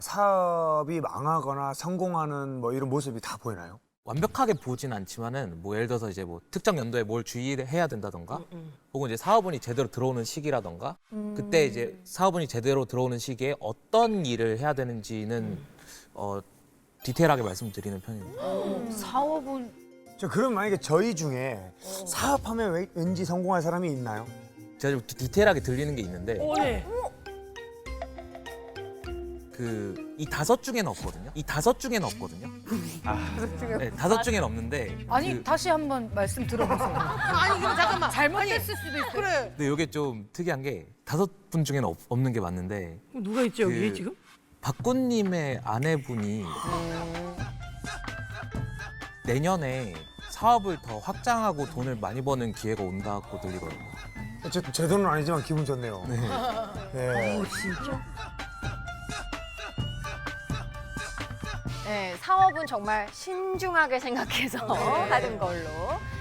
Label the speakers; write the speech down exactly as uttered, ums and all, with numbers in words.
Speaker 1: 사업이 망하거나 성공하는 뭐 이런 모습이 다 보이나요?
Speaker 2: 완벽하게 보진 않지만은 뭐 예를 들어서 이제 뭐 특정 연도에 뭘 주의해야 된다던가 혹은 이제 사업운이 제대로 들어오는 시기라던가 그때 이제 사업운이 제대로 들어오는 시기에 어떤 일을 해야 되는지는 어 디테일하게 말씀드리는 편입니다.
Speaker 3: 사업은
Speaker 1: 저 그럼 만약에 저희 중에 사업하면 왜- 왠지 성공할 사람이 있나요?
Speaker 2: 제가 좀 디- 디테일하게 들리는 게 있는데
Speaker 3: 네.
Speaker 2: 그 이 다섯 중에는 없거든요. 이 다섯 중에는 없거든요. 네, 다섯 중에는 없는데
Speaker 3: 아니
Speaker 2: 그,
Speaker 3: 다시 한번 말씀 들어보세요.
Speaker 4: 아니 그럼 잠깐만.
Speaker 3: 잘못했을 수도 있어요.
Speaker 4: 그래.
Speaker 2: 근데 이게 좀 특이한 게 다섯 분 중에는 없, 없는 게 맞는데
Speaker 4: 누가 있지 여기
Speaker 2: 그-
Speaker 4: 지금?
Speaker 2: 박군님의 아내분이 내년에 사업을 더 확장하고 돈을 많이 버는 기회가 온다고 들리거든요.
Speaker 1: 제, 제 돈은 아니지만 기분 좋네요. 네.
Speaker 5: 네, 사업은 정말 신중하게 생각해서 하는 걸로.